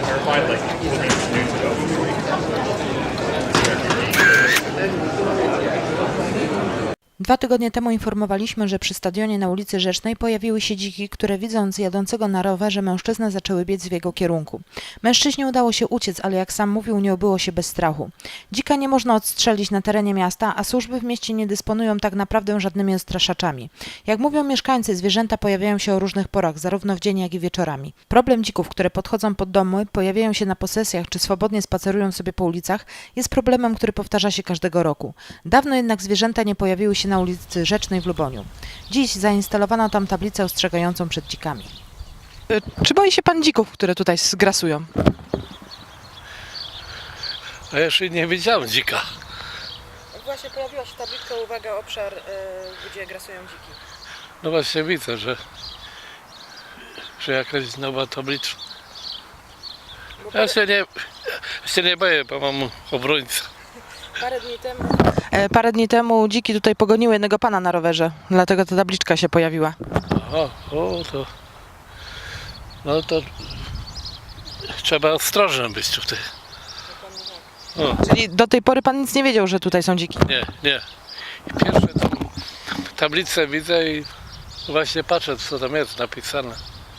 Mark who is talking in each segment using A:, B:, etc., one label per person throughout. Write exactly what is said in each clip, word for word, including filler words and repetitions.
A: clarified like four minutes, minutes ago.
B: Dwa tygodnie temu informowaliśmy, że przy stadionie na ulicy Rzecznej pojawiły się dziki, które widząc jadącego na rowerze mężczyznę zaczęły biec w jego kierunku. Mężczyźnie udało się uciec, ale jak sam mówił, nie obyło się bez strachu. Dzika nie można odstrzelić na terenie miasta, a służby w mieście nie dysponują tak naprawdę żadnymi odstraszaczami. Jak mówią mieszkańcy, zwierzęta pojawiają się o różnych porach, zarówno w dzień, jak i wieczorami. Problem dzików, które podchodzą pod domy, pojawiają się na posesjach czy swobodnie spacerują sobie po ulicach, jest problemem, który powtarza się każdego roku. Dawno jednak zwierzęta nie pojawiły się na ulicy Rzecznej w Luboniu. Dziś zainstalowano tam tablicę ostrzegającą przed dzikami. Czy boi się pan dzików, które tutaj grasują?
C: A jeszcze nie widziałem dzika.
B: Właśnie pojawiła się tabliczka, uwaga, obszar, gdzie grasują dziki.
C: No właśnie widzę, że, że jakaś nowa tabliczka. Ja się nie, ja się nie boję, bo mam obrońcę.
B: Parę dni temu... Parę dni temu dziki tutaj pogoniły jednego pana na rowerze, dlatego ta tabliczka się pojawiła.
C: O, o to... No to... Trzeba ostrożny być tutaj. O,
B: Czyli do tej pory pan nic nie wiedział, że tutaj są dziki?
C: nie, nie. I pierwsze tam tablicę widzę i właśnie patrzę, co tam jest napisane.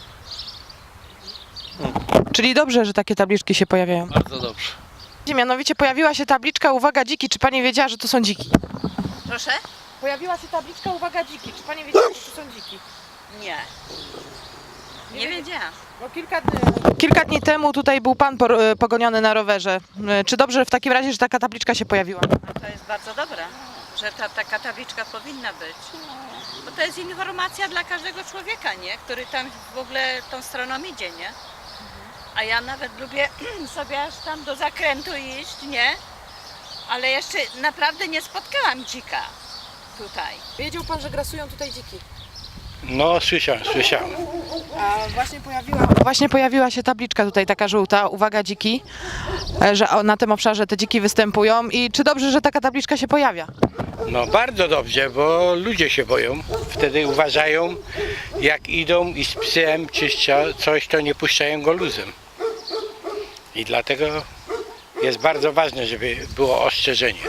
B: Czyli dobrze, że takie tabliczki się pojawiają.
C: Bardzo dobrze.
B: Mianowicie pojawiła się tabliczka, uwaga, dziki. Czy pani wiedziała, że to są dziki?
D: Proszę?
B: Pojawiła się tabliczka, uwaga, dziki. Czy pani wiedziała, że to są dziki?
D: Nie. Nie wiedziałam.
B: No kilka, dni, kilka dni temu tutaj był pan por, pogoniony na rowerze. Czy dobrze w takim razie, że taka tabliczka się pojawiła?
D: No to jest bardzo dobre, że ta, taka tabliczka powinna być. Bo to jest informacja dla każdego człowieka, nie? Który tam w ogóle tą stroną idzie, nie? A ja nawet lubię sobie aż tam do zakrętu iść, nie? Ale jeszcze naprawdę nie spotkałam dzika tutaj.
B: Wiedział pan, że grasują tutaj dziki?
E: No, słyszałem, słyszałem.
B: A właśnie pojawiła, właśnie pojawiła się tabliczka tutaj taka żółta, uwaga, dziki, że na tym obszarze te dziki występują. I czy dobrze, że taka tabliczka się pojawia?
E: No bardzo dobrze, bo ludzie się boją. Wtedy uważają, jak idą i z psem czy coś, to nie puszczają go luzem. I dlatego jest bardzo ważne, żeby było ostrzeżenie.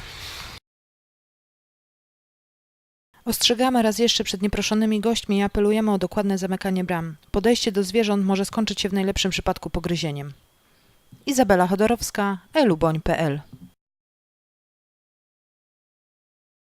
B: Ostrzegamy raz jeszcze przed nieproszonymi gośćmi i apelujemy o dokładne zamykanie bram. Podejście do zwierząt może skończyć się w najlepszym przypadku pogryzieniem. Izabela Chodorowska, eluboń kropka pe el